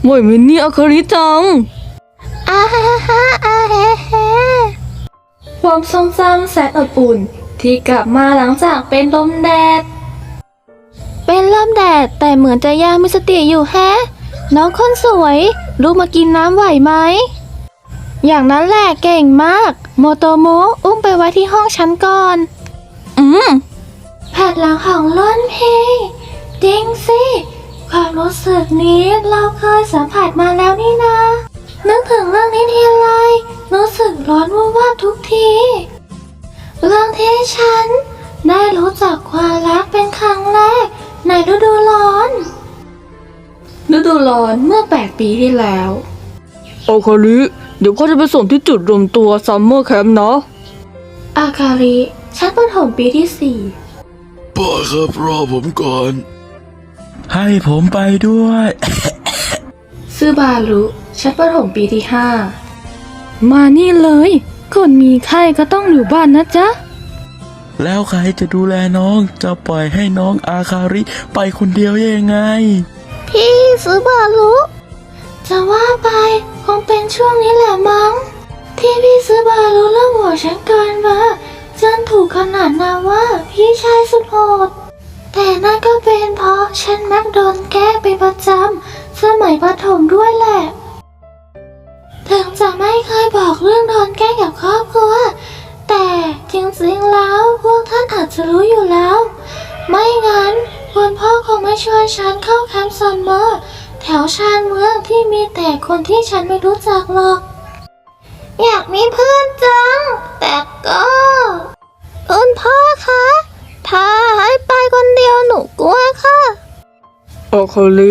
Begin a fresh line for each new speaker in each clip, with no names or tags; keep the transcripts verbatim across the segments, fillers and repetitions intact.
ไหวไหมเนี่ยอาคาริจัง
อาฮาฮาอาเฮเฮ
ความทรงจำแสนอบอุ่นที่กลับมาหลังจากเป็นลมแดด
เป็นลมแดดแต่เหมือนจะยังมีสติอยู่แฮะน้องคนสวยลูกมากินน้ำไหวไหมอย่างนั้นแหละเก่งมากโมโตโมะอุ้มไปไว้ที่ห้องฉันก่อน
อืม
แผ่นหลังของล้นเพจริงสิความรู้สึกนี้เราเคยสัมผัสมาแล้วนี่นะนึกถึงเรื่องนี้ทีไรรู้สึกร้อนวูบวาบทุกทีเรื่องที่ฉันได้รู้จักความรักเป็นครั้งแรกในฤดูร้อน
ฤดูร้อนเมื่อแปดปีที่แล้วอาคาริเดี๋ยวพ่อจะไปส่งที่จุดรวมตัวซัมเมอร์แคมป์นะ
อาคาริชั้นประถมปีที่สี่
พ่อครับรอผมก่อน
ให้ผมไปด้วย
ซึบารุชั้นประถมปีที่ห้ามานี่เลยคนมีไข้ก็ต้องอยู่บ้านนะจ๊ะ
แล้วใครจะดูแลน้องจะปล่อยให้น้องอาคาริไปคนเดียวยังไง
พี่ซึบารุจะว่าไปคงเป็นช่วงนี้แหละมั้งที่พี่ซึบารุเริ่มหัวฉันเกินมาจนถูกขนาดนาว่าพี่ชายสุดโหดแต่นั่นก็เป็นเพราะฉันมักโดนแกล้งเป็นประจำสมัยประถมด้วยแหละถึงจะไม่เคยบอกเรื่องโดนแกล้งกับครอบครัวแต่จริงๆแล้วพวกท่านอาจจะรู้อยู่แล้วไม่งั้นคุณพ่อคงไม่ชวนฉันเข้าแคมป์ซัมเมอร์แถวชานเมืองที่มีแต่คนที่ฉันไม่รู้จักหรอกอยากมีเพื่อนจังแต่ก็คุณพ่อคะถ้าให้ไปคนเดียวหนูกลัวค่ะ
อาคาริ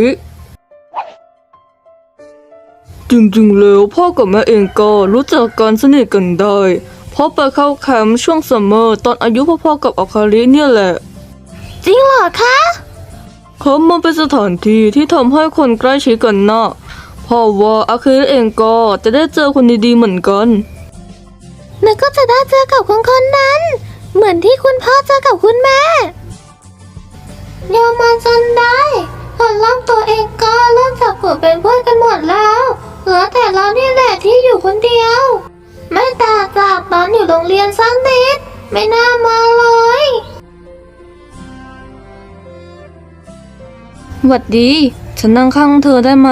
จริงๆแล้วพ่อกับแม่เองก็รู้จักกันสนิทกันได้เพราะไปเข้าแคมป์ช่วงซัมเมอร์ตอนอายุพ่อๆกับอาคาริเนี่ยแหละ
จริงเหรอคะ
เขามันเป็นสถานที่ที่ทำให้คนใกล้ชิดกันนะเพราะว่าอาคาริเองก็จะได้เจอคนดีๆเหมือนกัน
หนูก็จะได้เจอกับคนคนนั้นเหมือนที่คุณพ่อเจอกับคุณแม่ยอมมาจนได้ตอนร่างตัวเองก็เริ่มจับกลุ่มเป็นเพื่อนกันหมดแล้วเหลือแต่เรานี่แหละที่อยู่คนเดียวไม่ต่างจากตอนอยู่โรงเรียนสักนิดไม่น่ามาเลย
หวัดดีฉันนั่งข้างเธอได้ไหม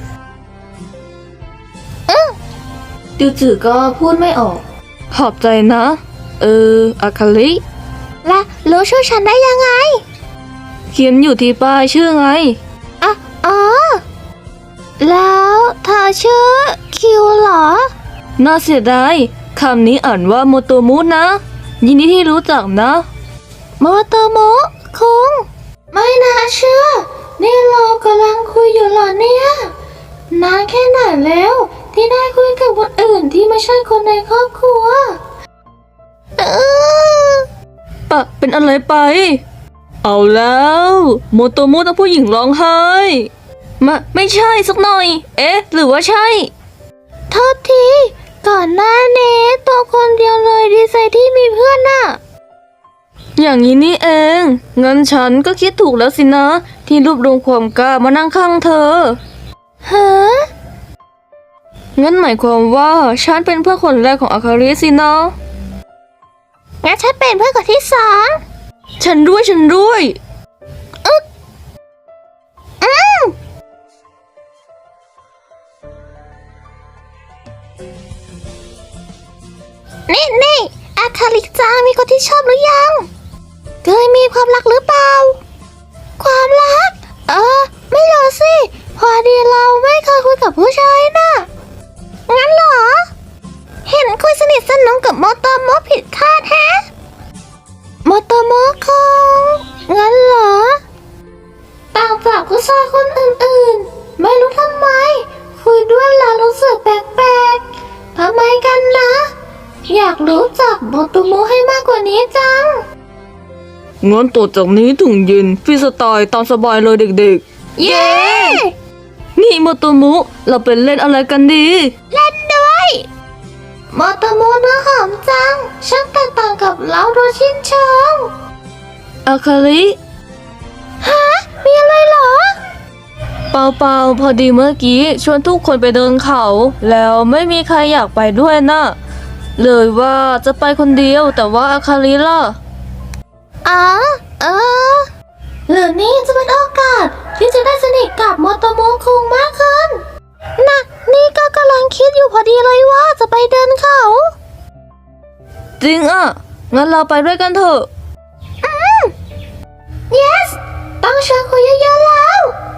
อือ
จื่อๆก็พูดไม่ออกขอบใจนะเอออาคาริ
และรู้ชื่อฉันได้ยังไง
เขียนอยู่ที่ป้ายชื่อไง
อ่ะอ๋อแล้วเธอชื่อคิวเหรอ
น่าเสียดายคำนี้อ่านว่าโมโตมุนะยินดีที่รู้จักนะ
โมโตมุคุงไม่น่าเชื่อนี่เรากำลังคุยอยู่เหรอเนี่ยนานแค่ไหนแล้วที่ได้คุยกับคนอื่นที่ไม่ใช่คนในครอบครัวเออ
ปะเป็นอะไรไปเอาแล้วโมโตมุต้องผู้หญิงร้องไห้มาไม่ใช่สักหน่อยเอ๊ะหรือว่าใช่
โทษทีก่อนหน้านี้ตัวคนเดียวเลยดีใจที่มีเพื่อนน่ะ
อย่างนี้นี่เองงั้นฉันก็คิดถูกแล้วสินะที่รวบรวมความกล้ามานั่งข้างเธอ
ฮะ
งั้นหมายความว่าฉันเป็นเพื่อนคนแรกของอาคาริสินะ
งั้นฉันเป็นเพื่อนคนที่สอง
ฉันด้วยฉันด้วย
อึ๊กอืมนี่นี่อาคาริจังมีคนที่ชอบหรือยังเคยมีความรักหรือเปล่าความรักเออไม่รู้สิพอดีเราไม่เคยคุยกับผู้ชายน่ะงั้นเหรอเห็นคุยสนิทสนมกับโมโตโมะผิดคาดแฮะโมโตโมะคงงั้นเหรอต่างจากผู้ชายคนอื่นๆไม่รู้ทำไมคุยด้วยแล้วรู้สึกแปลกๆทำไมกันนะอยากรู้จักโมโตโมะให้มากกว่านี้จัง
งั้นต่อจากนี้ถึงเย็นฟรีสไตล์ตามสบายเลยเด็ก
ๆเย้
นี่โมโตมุเราเป็นเล่นอะไรกันดี
เล่นด้วยโมโตมุเนื้อหอมจังช่างแตกต่างกับเราโดยชิ้นเชิง
อาคาริ
ฮะมีอะไรเหรอ
เปล่าเปล่าพอดีเมื่อกี้ชวนทุกคนไปเดินเขา แล้วไม่มีใครอยากไปด้วยนะเลยว่าจะไปคนเดียวแต่ว่าอาคาริล่ะ
อ๋อเออหรือนี่จะเป็นโอกาสที่จะได้สนิทกับโมโตโมคุงมากขึ้นนะนี่ก็กำลังคิดอยู่พอดีเลยว่าจะไปเดินเขา
จริงอ่ะ งั้นเราไปด้วยกันเถอะ
yes ต้องชวนคุยเยอะๆแล้ว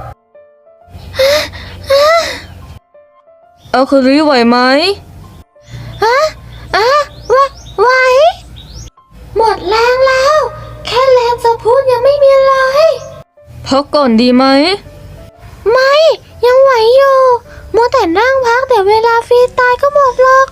อาคาริไหวไหม
ฮะอะวะไหวหมดแรงแล้ว แค่แรงจะพูดยังไม่มีเลย
พักก่อนดีไหม
ไม่ยังไหวอยู่มัวแต่นั่งพักแต่เวลาฟรีตายก็หมดหรอก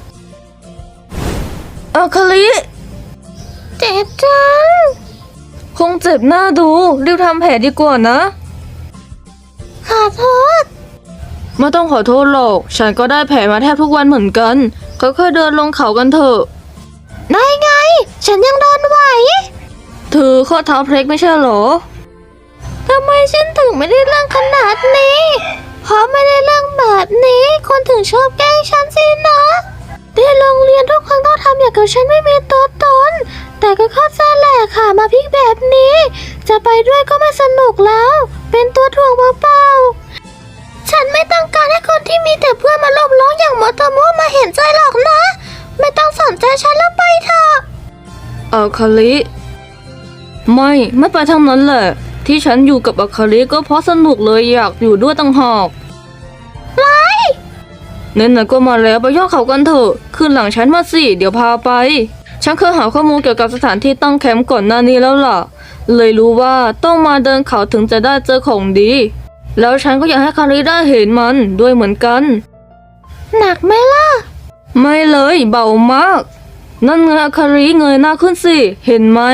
อาคาริ
เจ็บจัง
คงเจ็บหน้าดูรีบทำแผลดีกว่านะ
ขอโทษ
ไม่ต้องขอโทษหรอก ฉันก็ได้แผลมาแทบทุกวันเหมือนกันค่อยๆเดินลงเขากันเถอะ
ได้ไง ฉันยังโดนไหว
เธอข้อเท้าเพล็กไม่ใช่เหรอ
ทำไมฉันถึงไม่ได้เรื่องขนาดนี้ เพราะไม่ได้เรื่องแบบนี้ คนถึงชอบแกล้งฉันสินะที่โรงเรียนทุกคนต้องทำอย่างกับฉันไม่มีตัวตน แต่ก็เข้าใจแหละค่ะมาพลิกแบบนี้ จะไปด้วยก็ไม่สนุกแล้ว เป็นตัวถ่วงเปล่าๆฉันไม่ต้องการให้คนที่มีแต่เพื่อนมาลบล้องอย่างมอเตอร์โมมาเห็นใจหรอกนะ ไม่ต้องสนใจฉันแล้วไปเถอะ
อาคาริไม่ไม่ไปทั้งนั้นแหละ ที่ฉันอยู่กับอาคาริก็เพราะสนุกเลยอยากอยู่ด้วยตั้งหากเน้นๆก็มาแล้วไปย่อเขากันเถอะขึ้นหลังฉันมาสิเดี๋ยวพาไป ฉันเคยหาข้อมูลเกี่ยวกับสถานที่ตั้งแคมป์ก่อนหน้านี้แล้วล่ะ เลยรู้ว่าต้องมาเดินเขาถึงจะได้เจอของดี แล้วฉันก็อยากให้คาริได้เห็นมันด้วยเหมือนกัน
หนักไหมล่ะ
ไม่เลยเบามาก นั่นไงอาคาริเงยหน้าขึ้นสิเห็นไหม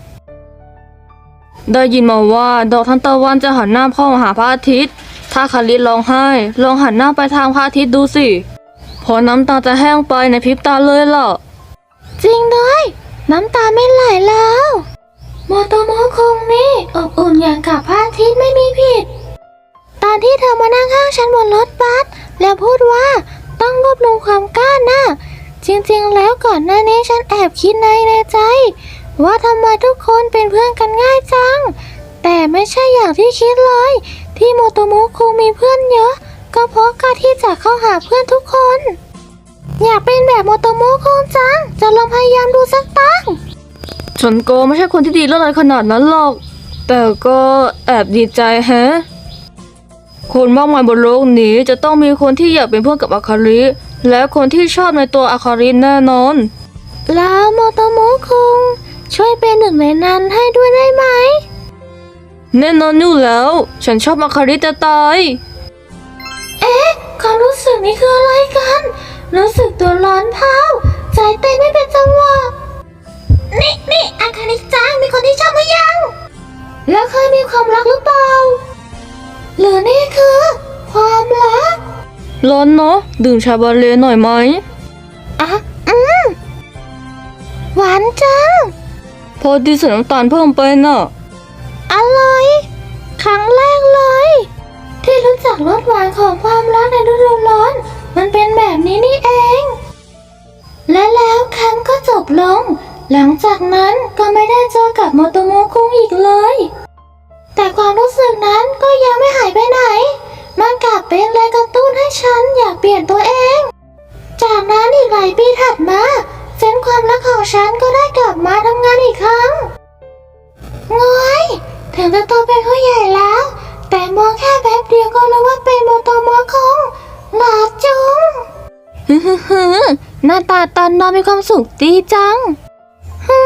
ได้ยินมาว่าดอกทานตะวันจะหันหน้าเข้าหาพระอาทิตย์ถ้าคาริร้องไห้ลองหันหน้าไปทางพระอาทิตย์ดูสิพอน้ำตาจะแห้งไปในพริบตาเลยล่ะ
จริงด้วย น้ำตาไม่ไหลแล้วโมโตโมคงนี่อบอุ่นอย่างกับพระอาทิตย์ไม่มีผิด ตอนที่เธอมานั่งข้างฉันบนรถบัสแล้วพูดว่าต้องรวบรวมความกล้านะจริงๆแล้วก่อนหน้านี้ฉันแอบคิดในในใจ ว่าทำไมทุกคนเป็นเพื่อนกันง่ายจัง แต่ไม่ใช่อย่างที่คิดเลย ที่โมโตโมคงมีเพื่อนเยอะ ก็เพราะกล้าที่จะเข้าหาเพื่อนทุกคน อยากเป็นแบบโมโตโมคงจัง จะลองพยายามดูสักตั้ง
ฉันก็ไม่ใช่คนที่ดีเรื่องอะไรขนาดนั้นหรอก แต่ก็แอบดีใจแฮะ คนมากมายบนโลกนี้จะต้องมีคนที่อยากเป็นเพื่อนกับอาคาริ และคนที่ชอบในตัวอาคาริแน่นอน
แล้วโมโตโมคงช่วยเป็นหนึ่งในนั้นให้ด้วยได้ไหม
แน่นอนอยู่แล้ว ฉันชอบอาคาริจะตาย
เอ๊ะความรู้สึกนี้คืออะไรกัน รู้สึกตัวร้อนเผาใจเต้นไม่เป็นจังหวะ นี่นี่อาคาริจังมีคนที่ชอบหรือยัง แล้วเคยมีความรักหรือเปล่า หรือนี่คือ ความรัก
ร้อนเนาะดื่มชาบาเลหน่อยไหม
อ่ะ อืม หวานจัง
พอดีใส่น้ำตาลเพิ่มไปน่ะ
อร่อย ครั้งแรกเลย ที่รู้จักรสหวานของความรักในฤดูร้อน มันเป็นแบบนี้นี่เอง และแล้วแคมป์ก็จบลง หลังจากนั้นก็ไม่ได้เจอกับโมโตโมคุงอีกเลย แต่ความรู้สึกนั้นก็ยังไม่หายไปไหน มันกลับเป็นแรงกระตุ้นให้ฉันอยากเปลี่ยนตัวเอง จากนั้นอีกหลายปีถัดมาเส้นความรักของฉันก็ได้กลับมาทำงานอีกครั้งงอยถึงจะโตเป็นผู้ใหญ่แล้ว แต่มองแค่แป๊บเดียวก็รู้ว่าเป็นโมโตโมคงหลาจุงฮึฮึฮึหน้าตาตอนนอนมีความสุขดีจังฮึ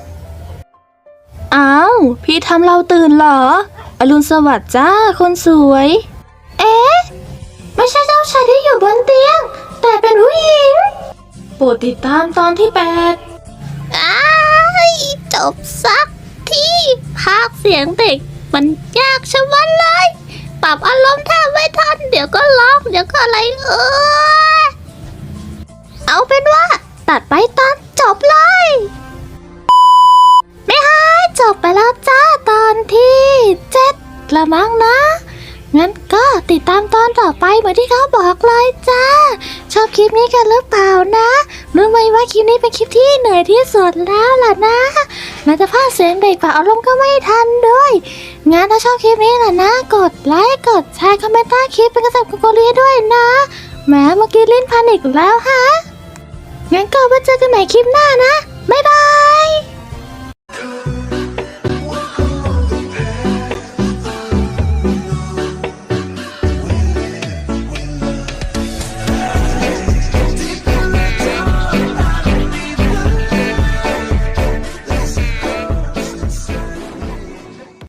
อ้าวพี่ทำเราตื่นเหรออรุณสวัสดิ์จ้าคนสวย เอ๊ะไม่ใช่เจ้าชายที่อยู่บนเตียง แต่เป็นผู้หญิงโปรดติดตามตอนที่แปดอ้ายจบสักที่ภาคเสียงเด็กมันยากชะมัดเลย ปรับอารมณ์แทบไม่ทัน เดี๋ยวก็ร้องเดี๋ยวก็อะไรเออเอาเป็นว่าตัดไปตอนจบเลยไม่ฮะจบไปแล้วจ้าตอนที่เจ็ดละมั้งนะงั้นก็ติดตามตอนต่อไปเหมือนที่เขาบอกเลยจ้า ชอบคลิปนี้กันหรือเปล่านะรู้ไหมว่าคลิปนี้เป็นคลิปที่เหนื่อยที่สุดแล้วล่ะนะน่าจะพากย์เสียงเด็กปากอารมณ์ก็ไม่ทันด้วยงั้นถ้าชอบคลิปนี้ล่ะนะกดไลค์กดแชร์คอมเมนต์ใต้คลิปเป็นกระสับกระส่ายด้วยนะแหมเมื่อกี้ลิ้นพันอีกแล้วฮะงั้นก็ไว้เจอกันใหม่คลิปหน้านะบ๊ายบาย